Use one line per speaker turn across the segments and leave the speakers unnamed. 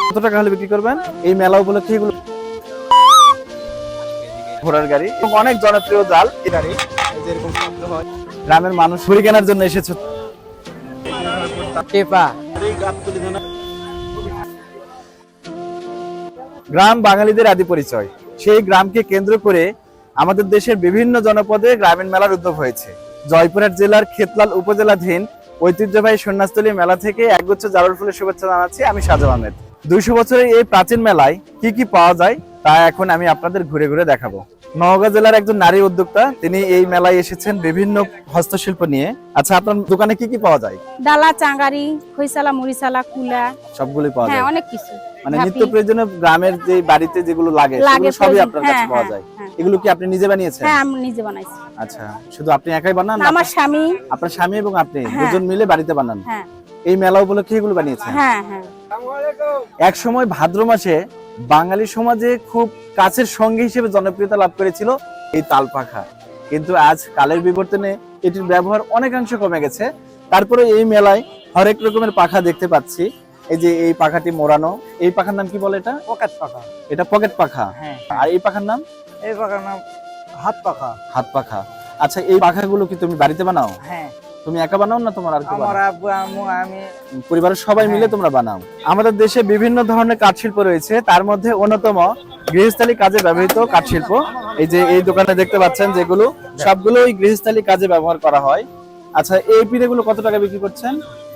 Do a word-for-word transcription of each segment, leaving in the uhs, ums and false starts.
কত টাকা হলে বিক্রি করবেন? এই মেলা উপলক্ষে এগুলো ঘোড়ার গাড়ি এবং অনেক জনপ্রিয় জাল এই গাড়ি যেরকম শব্দ হয়। গ্রামের মানুষ ঘুরি কেনার জন্য এসেছে। গ্রাম বাঙালিদের আদি পরিচয়। সেই গ্রামকে কেন্দ্র করে আমাদের দেশের বিভিন্ন জনপদে গ্রামীণ মেলার উদ্যোগ হয়েছে। জয়পুরহাট জেলার খেতলাল উপজেলাধীন ঐতিহ্যবাহী সন্ন্যাসতলী মেলা থেকে একগুচ্ছ জারুল ফুলের শুভেচ্ছা জানাচ্ছি আমি সাজু আহমেদ। দুইশো বছরের এই প্রাচীন মেলায় কি কি পাওয়া যায় তা এখন আমি আপনাদের ঘুরে ঘুরে দেখাবো। নওগাঁ জেলার একজন নারী উদ্যোক্তা, তিনি এই মেলায় এসেছেন বিভিন্ন হস্তশিল্প নিয়ে। আচ্ছা, আপনার দোকানে কি কি পাওয়া যায়?
ডালা, চাঙ্গারি, খইসালা, মুড়িসালা, কুলা
সবগুলোই পাওয়া যায়।
হ্যাঁ, অনেক কিছু।
মানে নিত্য প্রয়োজনীয় গ্রামের যে বাড়িতে যেগুলো লাগে সেগুলো সবই আপনার কাছে পাওয়া যায়। এগুলো কি আপনি নিজে বানিয়েছেন?
হ্যাঁ, আমি নিজে বানাইছি।
আচ্ছা, শুধু আপনি একাই বানান?
আমার স্বামী,
আপনার স্বামী এবং আপনি দুজন মিলে বাড়িতে বানান?
হ্যাঁ।
এই মেলা উপলক্ষে এগুলো বানিয়েছেন?
হ্যাঁ হ্যাঁ।
এক সময় ভাদ্র মাসে বাঙালি সমাজে খুব কাছের সঙ্গী হিসেবে জনপ্রিয়তা লাভ করেছিল এই তালপাখা, কিন্তু আজ কালের বিবর্তনে এটির ব্যবহার অনেকাংশ কমে গেছে। তারপরে এই মেলায় হরেক রকমের পাখা দেখতে পাচ্ছি। এই যে এই পাখাটি মোড়ানো, এই পাখার নাম কি বলে? এটা
পকেট পাখা।
এটা পকেট পাখা।
হ্যাঁ।
আর এই পাখার নাম?
এই পাখার নাম হাত পাখা।
হাত পাখা। আচ্ছা, এই পাখাগুলো কি তুমি বাড়িতে বানাও?
হ্যাঁ।
তুমি একা বানাও না তোমার আর কেউ
আমার
বানায়?
আব্বু আম্মু আমি
পরিবারের সবাই মিলে তোমরা বানাও। আমাদের দেশে বিভিন্ন ধরনের কাঠ শিল্প রয়েছে, তার মধ্যে অন্যতম গৃহস্থালী কাজে ব্যবহৃত কাঠ শিল্প। এই যে এই দোকানে দেখতে পাচ্ছেন যেগুলো, সবগুলোই গৃহস্থালী কাজে ব্যবহার করা হয়। আচ্ছা, এই পিঠেগুলো কত টাকা বিক্রি করছেন?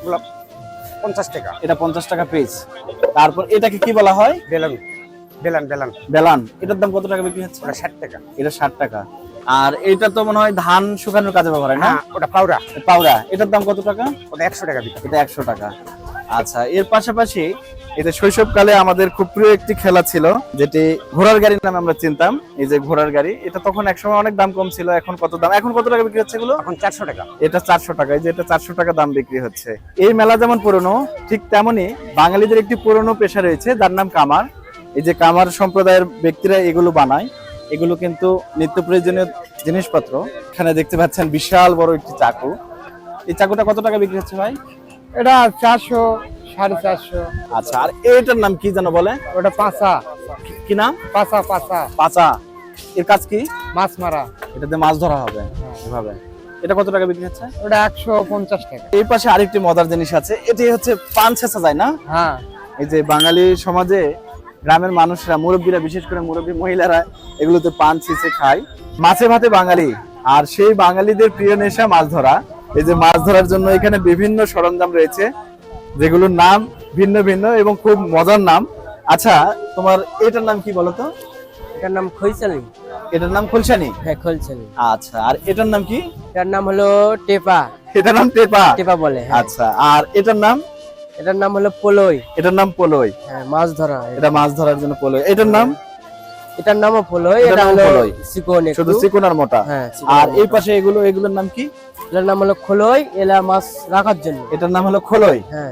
পঞ্চাশ টাকা।
এটা পঞ্চাশ টাকা পিস। তারপর এটাকে কি বলা হয়?
বেলান বেলান বেলান
বেলান। এটার দাম কত টাকা বিক্রি হচ্ছে?
ওটা ষাট টাকা।
এটা ষাট টাকা। আর এটা তো মনে হয় ধান শুকানোর কাজে ব্যবহার হয় না?
ওটা পাউডা।
পাউডা। এটার দাম কত টাকা?
ওটা একশো টাকা বিক্রি।
এটা একশো টাকা। আচ্ছা, এর পাশাপাশি এটা শৈশবকালে আমাদের খুব প্রিয় একটি খেলা ছিল, যেটি ঘোড়ার গাড়ি নামে আমরা চিনতাম। এই যে ঘোড়ার গাড়ি, এটা তখন একসময় অনেক দাম কম ছিল। এখন কত দাম? এখন কত টাকা বিক্রি হচ্ছে এগুলো?
এখন চারশো টাকা।
এটা চারশো টাকা। এই যে এটা চারশো টাকা দাম বিক্রি হচ্ছে। এই মেলা যেমন পুরনো, ঠিক তেমনি বাঙালিদের একটি পুরনো পেশা রয়েছে যার নাম কামার। এই যে কামার সম্প্রদায়ের ব্যক্তিরা এগুলো বানায়। এগুলো কিন্তু নিত্য প্রয়োজনীয় জিনিসপত্র। এখানে দেখতে পাচ্ছেন বিশাল বড় একটি চাকু। এই চাকুটা কত টাকা বিক্রি হচ্ছে ভাই?
এটা চারশো, সাড়ে চারশো।
আচ্ছা, আর এটার নাম কি যেন বলে?
ওটা পাঁচা।
কি নাম?
পাঁচা পাঁচা
পাঁচা। এর কাজ কি?
মাছ মারা।
এটাতে মাছ ধরা হবে এভাবে। এটা কত টাকা বিক্রি হচ্ছে?
ওটা একশো পঞ্চাশ টাকা।
এই পাশে আরেকটি মজার জিনিস আছে, এটি হচ্ছে পান ছেঁচা যায় না?
হ্যাঁ।
এই যে বাঙালি সমাজে গ্রামের মানুষরা, মুরব্বীরা, বিশেষ করে মুরব্বী মহিলারা এগুলোতে পান ছেঁচে খায়। মাছে ভাতে বাঙালি, আর সেই বাঙালিদের প্রিয় নেশা মাছ ধরা। এই যে মাছ ধরার জন্য এখানে বিভিন্ন সরঞ্জাম রয়েছে, যেগুলোর নাম ভিন্ন ভিন্ন এবং খুব মজার নাম। আচ্ছা, তোমার এটার নাম কি বলতো?
এটার নাম খইসালি।
এটার নাম খোলসানি?
হ্যাঁ, খইসালি।
আচ্ছা, আর এটার নাম কি?
এটার নাম হলো টেপা।
এটার নাম টেপা?
টেপা বলে।
আচ্ছা, আর এটার নাম?
এটার নাম হলো পোলই।
এটার নাম পোলই।
হ্যাঁ, মাছ ধরা।
এটা মাছ ধরার জন্য পোলই। এটার নাম?
এটার নামও পোলই।
এটার
এটা
নাম
হলো
পোলই।
চিকন,
শুধু চিকন আর মোটা।
হ্যাঁ।
আর এই পাশে এগুলো, এগুলোর নাম কি?
এটার নাম হলো খোলই, এলা মাছ রাখার জন্য।
এটার নাম হলো খোলই।
হ্যাঁ।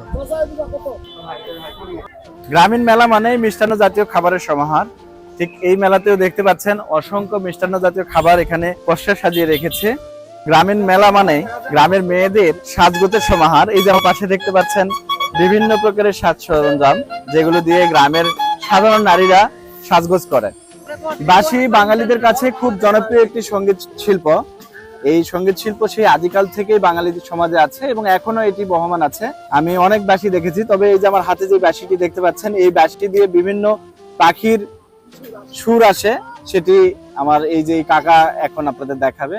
গ্রামীণ মেলা মানে মিষ্টান্ন জাতীয় খাবারের সমাহার। ঠিক এই মেলাতেও দেখতে পাচ্ছেন অসংখ্য মিষ্টান্ন জাতীয় খাবার এখানে পসরা সাজিয়ে রেখেছে। গ্রামীণ মেলা মানে গ্রামের মেয়েদের সাজগোজের সমাহার। এই যে আমার পাশে দেখতে পাচ্ছেন বিভিন্ন প্রকারের সাজ সরঞ্জাম, যেগুলো দিয়ে গ্রামের সাধারণ নারীরা সাজগোজ করে। বাঁশি বাঙালিদের কাছে খুব জনপ্রিয় একটি সঙ্গীত শিল্প। এই সঙ্গীত শিল্প সেই আদিকাল থেকেই বাঙালিদের সমাজে আছে এবং এখনো এটি বহমান আছে। আমি অনেক বাঁশি দেখেছি, তবে এই যে আমার হাতে যে বাঁশিটি দেখতে পাচ্ছেন, এই বাঁশিটি দিয়ে বিভিন্ন পাখির সুর আসে, সেটি আমার এই যে কাকা এখন আপনাদের দেখাবে।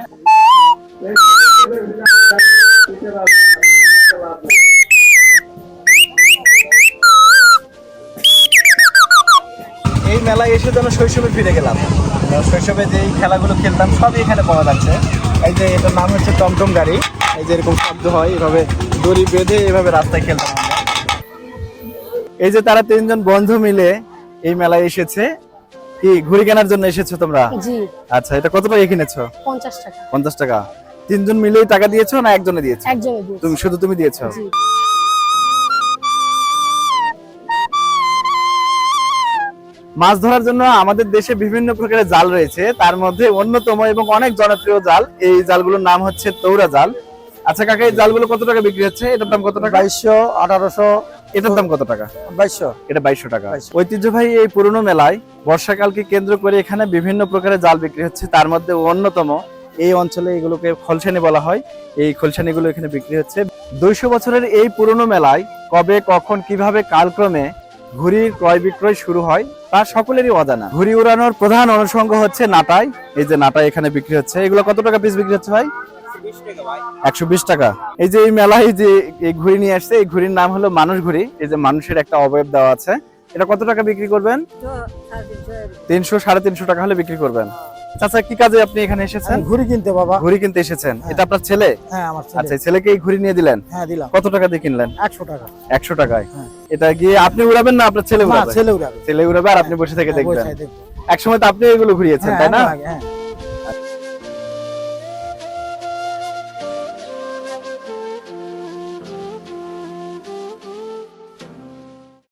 এই মেলায় এসে যেন শৈশবে ফিরে গেলাম। শৈশবে যে খেলাগুলো খেলতাম সবই এখানে পাওয়া যাচ্ছে। এই যে এটার নাম হচ্ছে টমটম গাড়ি। এই যে এরকম শব্দ হয়, এভাবে দড়ি বেঁধে এভাবে রাস্তায় খেলতাম আমরা। এই যে তারা তিনজন বন্ধু মিলে এই মেলায় এসেছে। কি ঘুড়ি কেনার জন্য এসেছো তোমরা?
জি।
আচ্ছা, এটা কত টাকা কিনেছো?
পঞ্চাশ টাকা।
পঞ্চাশ টাকা। তিনজন মিলেই টাকা দিয়েছো না একজনে দিয়েছো?
একজনে দিয়েছি।
তুমি শুধু তুমি দিয়েছো?
জি।
মাছ ধরার জন্য আমাদের দেশে বিভিন্ন প্রকারের জাল রয়েছে, তার মধ্যে অন্যতম এবং অনেক জনপ্রিয় জাল, এই জালগুলোর নাম হচ্ছে তৌরা জাল। আচ্ছা কাকা, এই জালগুলো কত টাকা বিক্রি হচ্ছে? এটার দাম কত টাকা?
বাইশশো, আঠারোশো,
এটার দাম কত টাকা?
বাইশশো।
এটা বাইশশো টাকা। ঐতিহ্যবাহী এই পুরনো মেলায় বর্ষাকালকে কেন্দ্র করে এখানে বিভিন্ন প্রকারের জাল বিক্রি হচ্ছে। তার মধ্যে অন্যতম এই অঞ্চলে এগুলোকে খলসানি বলা হয়। এই খলসানিগুলো এখানে বিক্রি হচ্ছে। দুইশো বছরের এই পুরনো মেলায় কবে, কখন, কিভাবে, কালক্রমে ঘুড়ির ক্রয় বিক্রয় শুরু হয় তা সকলেরই অজানা। ঘুড়ি উড়ানোর প্রধান অনুষঙ্গ হচ্ছে নাটাই। এই যে নাটাই এখানে বিক্রি হচ্ছে। এগুলো কত টাকা পিস বিক্রি হচ্ছে ভাই? একশো বিশ টাকা। এই যে এই মেলায় যে এই ঘুড়ি নিয়ে আসছে, এই ঘুড়ির নাম হলো মানুষ ঘুড়ি। এই যে মানুষের একটা অবয়ব দেওয়া আছে। এটা কত টাকা বিক্রি করবেন? তিনশো, সাড়ে তিনশো টাকা হলে বিক্রি করবেন। চাচা, কি কাজে আপনি এখানে এসেছেন?
ঘুড়ি কিনতে বাবা।
ঘুড়ি কিনতে এসেছেন। এটা আপনার ছেলে?
হ্যাঁ, আমার ছেলে।
আচ্ছা, ছেলেকে এই ঘুড়ি নিয়ে দিলেন?
হ্যাঁ, দিলাম।
কত টাকা দিয়ে কিনলেন?
একশো টাকা।
একশো টাকায়।
হ্যাঁ।
এটা গিয়ে আপনি উড়াবেন না আপনার ছেলে
না,
উড়াবে?
ছেলে উড়াবে।
ছেলে উড়াবে আর আপনি বসে থেকে
হ্যাঁ,
দেখবেন।
বসে দেখবো।
একসময় তো আপনি এগুলো ঘুরিয়েছেন,
হ্যাঁ,
তাই না?
আগে, হ্যাঁ।